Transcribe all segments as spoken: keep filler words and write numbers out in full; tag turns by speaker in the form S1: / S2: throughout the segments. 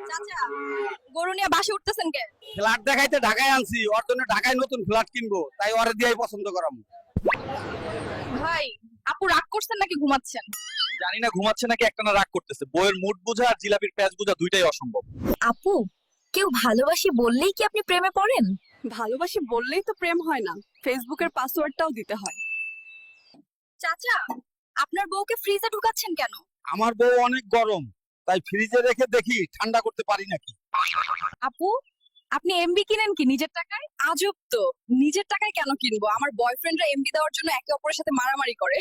S1: চাচা গরু নিয়ে বাসে উঠতেছেন কে?
S2: ফ্ল্যাট দেখাইতে ঢাকায় আনছি, ওর জন্য ঢাকায় নতুন ফ্ল্যাট কিনবো, তাই ওরে দিয়েই পছন্দ করাম।
S1: ভাই আপু রাগ করছেন নাকি ঘুমাচ্ছেন?
S3: জানি না ঘুমাচ্ছে নাকি একটানা রাগ করতেছে। বইয়ের মুড বোঝা আর জিলাপির প্যাচ বোঝা দুইটাই অসম্ভব।
S1: আপু কেউ ভালোবাসি বললেই কি আপনি প্রেমে পড়েন?
S4: ভালোবাসি বললেই তো প্রেম হয় না, ফেসবুকের পাসওয়ার্ডটাও দিতে হয়।
S1: চাচা আপনার বউকে ফ্রিজে ঢুকাচ্ছেন কেন?
S2: আমার বউ অনেক গরম, তাই ফ্রিজে রেখে দেখি ঠান্ডা করতে পারি নাকি।
S1: আপু আপনি এমবি কিনেন কি নিজের টাকায়? আজব তো, নিজের টাকায় কেন কিনবো? আমার বয়ফ্রেন্ডরা এমবি দেওয়ার জন্য একে অপরের সাথে মারামারি করে।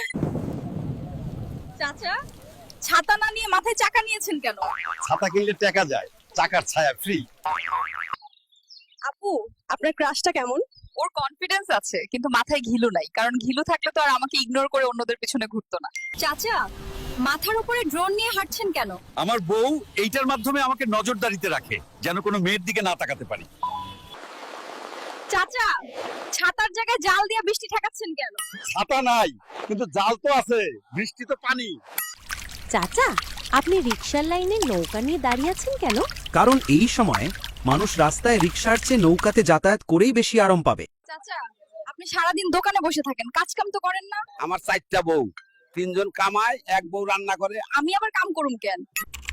S1: চাচা ছাতা না নিয়ে মাথায় চাকা নিয়েছেন কেন?
S2: ছাতা কিনলে টাকা যায়, চাকার ছায়া ফ্রি।
S1: আপু আপনার ক্রাশটা কেমন? ওর কনফিডেন্স আছে কিন্তু মাথায় ঘিলু নাই, কারণ ঘিলু থাকলে তো আর আমাকে ইগনোর করে অন্যদের পিছনে ঘুরতো না। চাচা মাথার উপরে ড্রোন নিয়ে হাঁটছেন কেন?
S3: আমার বউ এইটার মাধ্যমে আমাকে নজরদারিতে রাখে, যেন কোনো মেয়ের দিকে না তাকাতে পারি।
S1: চাচা ছাতার জায়গায় জাল দিয়ে বৃষ্টি ঠেকাচ্ছেন কেন?
S2: ছাতা নাই কিন্তু জাল তো আছে, বৃষ্টি তো পানি।
S5: চাচা আপনি রিকশার লাইনে নৌকা নিয়ে দাঁড়িয়ে আছেন কেন?
S6: কারণ এই সময় মানুষ রাস্তায় রিকশার চেয়ে নৌকাতে যাতায়াত করেই বেশি আরাম পাবে।
S1: চাচা আপনি সারাদিন দোকানে বসে থাকেন, কাজ কাম তো করেন না?
S2: আমার চারটা বউ, তিনজন কামায়, এক বউ রান্না করে।
S1: আমি আবার কাম করুম কেন?